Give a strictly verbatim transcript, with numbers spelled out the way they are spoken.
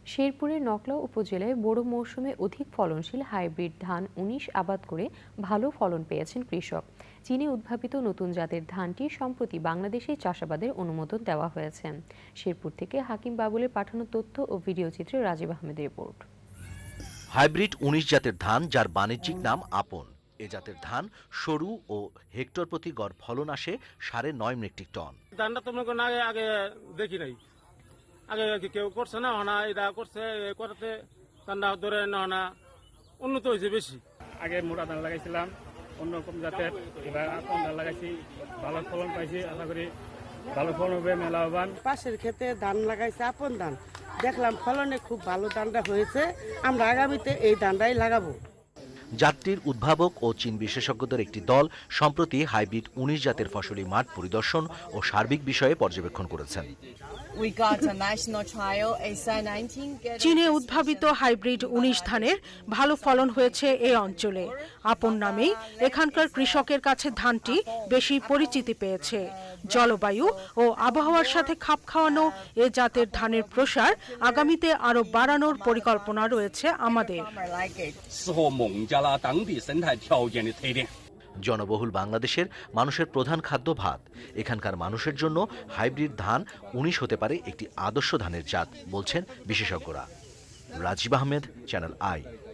শেরপুরের নকলা উপজেলায় বোরো মৌসুমে অধিক ফলনশীল হাইব্রিড ধান উনিশ আবাদ করে ভালো ফলন পেয়েছেন কৃষক। চীনে উদ্ভাবিত নতুন জাতের ধানটি সম্প্রতি বাংলাদেশে চাষাবাদের অনুমোদন দেওয়া হয়েছে। শেরপুর থেকে হাকিম বাবুলের পাঠানো তথ্য ও ভিডিও চিত্রে রাজীব আহমেদের রিপোর্ট। হাইব্রিড উনিশ জাতের ধান, যার বাণিজ্যিক নাম আপন। এ জাতের ধান সরু ও হেক্টর প্রতি গড় ফলন আসে সাড়ে নয় মেট্রিক টন। ধানটা তো মনে করেন আগে আগে দেখি নাই, আগে কেউ করছে না, হনা এটা করছে করতে ধানটা ধরে না উন্নত হয়েছে বেশি। আগে মোটা ধান লাগাইছিলাম অন্যরকম জাতের, এবার আপন ধান লাগাইছি, ভালো ফলন পাইছি। আশা করি ভালো ফলন হবে, মেলাবান। পাশের ক্ষেতে ধান লাগাইছে আপন ধান, দেখলাম ফলনে খুব ভালো ধানটা হয়েছে। আমরা আগামীতে এই ধানটাই লাগাবো। জাতটির উদ্ভাবক ও চীন বিশেষজ্ঞদের একটি দল সম্প্রতি হাইব্রিড উনিশ জাতের ফসলি মাঠ পরিদর্শন ও সার্বিক বিষয়ে পর্যবেক্ষণ করেছেন। চীনে উদ্ভাবিত হাইব্রিড উনিশ ধানের ভালো ফলন হয়েছে এই অঞ্চলে। আপন নামেই এখানকার কৃষকের কাছে ধানটি বেশি পরিচিতি পেয়েছে। জলবায়ু ও আবহাওয়ার সাথে খাপ খাওয়ানো এ জাতের ধানের প্রসার আগামীতে আরো বাড়ানোর পরিকল্পনা রয়েছে আমাদের। জনবহুল বাংলাদেশের মানুষের প্রধান খাদ্য ভাত। এখানকার মানুষের জন্য হাইব্রিড ধান উনিশ হতে পারে একটি আদর্শ ধানের জাত, বলছেন বিশেষজ্ঞরা। Rajib Ahmed, channel I.